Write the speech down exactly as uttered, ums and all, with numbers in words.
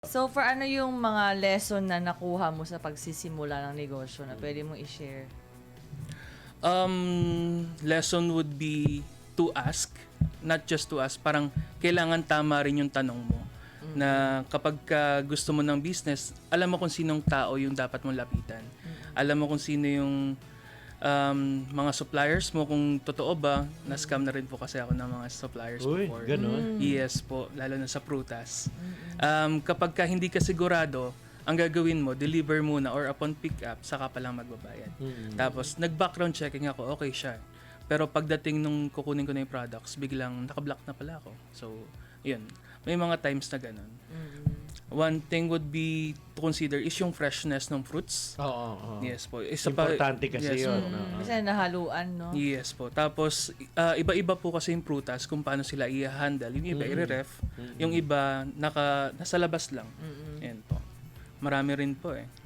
So for ano yung mga lesson na nakuha mo sa pagsisimula ng negosyo na pwede mong i-share? Um, lesson would be to ask, not just to ask. Parang kailangan tama rin yung tanong mo. Mm-hmm. Na kapag ka gusto mo ng business, alam mo kung sinong tao yung dapat mong lapitan. Mm-hmm. Alam mo kung sino yung um, mga suppliers mo, kung totoo ba. Mm-hmm. Na-scam na rin po kasi ako ng mga suppliers Uy, before. ganun? Yes po, lalo na sa prutas. Mm-hmm. Um, kapag ka hindi ka sigurado, ang gagawin mo, deliver muna or upon pick up, saka pa lang magbabayad. Mm-hmm. Tapos, nag-background checking ako, okay siya. Pero pagdating nung kukunin ko na yung products, biglang nakablock na pala ako. So, yun. May mga times na ganun. Mm-hmm. One thing would be to consider is yung freshness ng fruits. Oo, oo, oo. Yes po. Isa Importante pa, kasi yes, yun. po. Oo. Kasi nahaluan, no? Yes po. Tapos, uh, iba-iba po kasi yung prutas kung paano sila i-handle. Yung iba, mm-hmm. i-ref. Mm-hmm. Yung iba, naka, nasa labas lang. Mm-hmm. Yan po. Marami rin po eh.